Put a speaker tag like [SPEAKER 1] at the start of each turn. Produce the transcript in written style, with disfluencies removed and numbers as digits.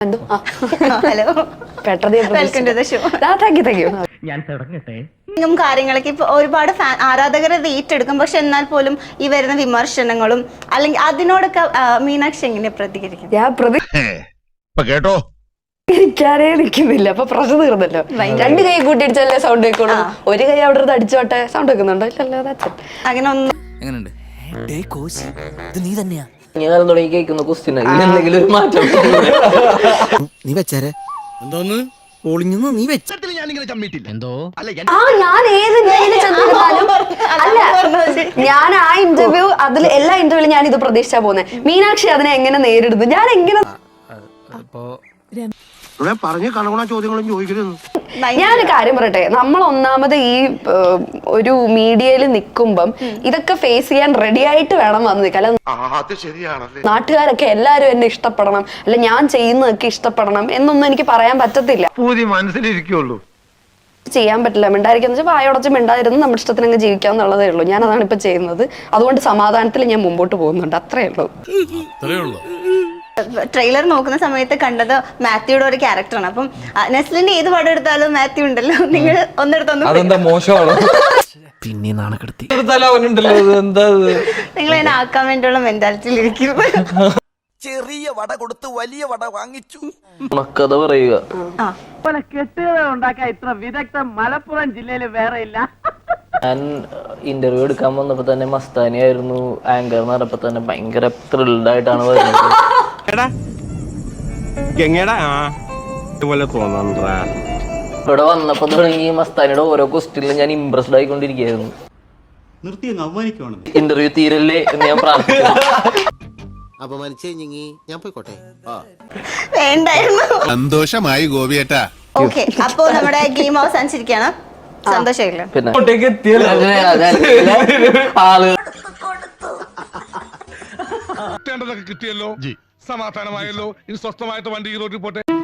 [SPEAKER 1] Hello, welcome to the show.
[SPEAKER 2] ഞാൻ തുടങ്ങട്ടെ.
[SPEAKER 1] കാര്യങ്ങളൊക്കെ ഇപ്പൊ ഒരുപാട് ആരാധകരെ ഏറ്റെടുക്കും. പക്ഷെ എന്നാൽ പോലും ഈ വരുന്ന വിമർശനങ്ങളും അല്ലെങ്കിൽ അതിനോടൊക്കെ മീനാക്ഷി എങ്ങനെ പ്രതികരിക്കും?
[SPEAKER 3] കേട്ടോ,
[SPEAKER 4] എനിക്കാരേ നിൽക്കുന്നില്ല. അപ്പൊ പ്രശ്നം തീർന്നല്ലോ. രണ്ട് കൈ കൂട്ടിയിടിച്ചല്ലേ സൗണ്ട് വെക്കുള്ളൂ. ഒരു കൈ അവിടെ നിന്ന് അടിച്ചോട്ടെ, സൗണ്ട് വെക്കുന്നുണ്ടോ? ഇല്ലല്ലോ.
[SPEAKER 1] അങ്ങനെ ഒന്നും
[SPEAKER 5] നീ തന്നെയാ
[SPEAKER 6] ഞാൻ തുടങ്ങി കേൾക്കുന്ന ക്വസ്റ്റ്യൻ എന്തെങ്കിലും ഒരു മാറ്റം
[SPEAKER 5] നീ വെച്ചേരെ എന്തോന്ന് പൊളിഞ്ഞു നീ വെച്ചിട്ട്
[SPEAKER 3] എന്തോ
[SPEAKER 4] ഞാൻ ഏത് ഇന്റർവ്യൂവിൽ ചെന്നാലും അല്ല, ഞാൻ ആ ഇന്റർവ്യൂ അതിൽ എല്ലാ ഇന്റർവ്യൂവിലും ഞാൻ ഇത് പ്രതീക്ഷിച്ചാ പോകുന്നത്. മീനാക്ഷി അതിനെ എങ്ങനെ നേരിടുന്നു, ഞാൻ എങ്ങനെ
[SPEAKER 5] പറഞ്ഞ കണകുണ ചോദ്യങ്ങളും ചോദിക്കരുത്.
[SPEAKER 4] ഞാനൊരു കാര്യം പറയട്ടെ, നമ്മൾ ഒന്നാമത് ഈ ഒരു മീഡിയയിൽ നിൽക്കുമ്പം ഇതൊക്കെ ഫേസ് ചെയ്യാൻ റെഡി ആയിട്ട് വേണം വന്ന് നിൽക്കാൻ. നാട്ടുകാരൊക്കെ എല്ലാരും എന്നെ ഇഷ്ടപ്പെടണം, അല്ല ഞാൻ ചെയ്യുന്നതൊക്കെ ഇഷ്ടപ്പെടണം എന്നൊന്നും എനിക്ക് പറയാൻ പറ്റത്തില്ല.
[SPEAKER 3] മനസ്സിലിരിക്കുള്ളൂ,
[SPEAKER 4] ചെയ്യാൻ പറ്റില്ല. മിണ്ടായിരിക്കാന്ന് വെച്ചാൽ വായോടച്ച് മിണ്ടായിരുന്നു നമ്മുടെ ഇഷ്ടത്തിന് അങ്ങ് ജീവിക്കാന്നുള്ളതേ ഉള്ളൂ. ഞാൻ അതാണ് ഇപ്പൊ ചെയ്യുന്നത്. അതുകൊണ്ട് സമാധാനത്തിൽ ഞാൻ മുമ്പോട്ട് പോകുന്നുണ്ട്. അത്രേ ഉള്ളൂ.
[SPEAKER 1] ട്രെയിലർ നോക്കുന്ന സമയത്ത് കണ്ടത് മാത്യുയുടെ ഒരു ക്യാരക്ടറാണ്. അപ്പം നെസ്ലിന്റെ ഏത് പടം എടുത്താലും മാത്യു ഉണ്ടല്ലോ. നിങ്ങൾ ഒന്നെടുത്തൊന്നും
[SPEAKER 6] മോശമാണ്.
[SPEAKER 5] പിന്നെ നാണക്കെടുത്തി
[SPEAKER 1] നിങ്ങൾ എന്നെ ആക്കാൻ വേണ്ടിയുള്ള മെന്റാലിറ്റിയിൽ ഇരിക്കുന്നത്.
[SPEAKER 5] ചെറിയ വട കൊടുത്ത് വലിയ വട വാങ്ങിച്ചു.
[SPEAKER 6] കഥ പറയുക.
[SPEAKER 2] കെട്ടുകഥ ഉണ്ടാക്കാൻ ഇത്ര വിദഗ്ധം മലപ്പുറം ജില്ലയിൽ വേറെ ഇല്ല.
[SPEAKER 6] ഞാൻ ഇന്റർവ്യൂ എടുക്കാൻ വന്നപ്പോ തന്നെ മസ്താനി ആയിരുന്നു ആങ്കർ എന്ന് പറഞ്ഞപ്പോ തന്നെ ഭയങ്കര ത്രിൽഡ് ആയിട്ടാണ് വരുന്നത്. ഇവിടെ വന്നപ്പോ തുടങ്ങി മസ്താനിയുടെ ഓരോ ക്വസ്റ്റ്യനിലും ഞാൻ ഇംപ്രസ്ഡ് ആയിക്കൊണ്ടിരിക്കുകയായിരുന്നു. ഇന്റർവ്യൂ തീരല്ലേ എന്ന് ഞാൻ പ്രാർത്ഥിക്കുന്നു.
[SPEAKER 5] ഞാൻ പോയിക്കോട്ടെ.
[SPEAKER 1] വേണ്ടായിരുന്നു.
[SPEAKER 3] സന്തോഷമായി ഗോപിയേട്ടാ.
[SPEAKER 1] ഓക്കെ, അപ്പോ നമ്മുടെ ഗെയിം അവസാനിച്ചിരിക്കുകയാണ്. സന്തോഷമില്ല.
[SPEAKER 6] പിന്നെ ആള്
[SPEAKER 3] കിട്ടിയല്ലോ, സമാധാനമായല്ലോ. ഇനി സ്വസ്ഥമായിട്ട് വണ്ടി റോഡിൽ പോട്ടെ.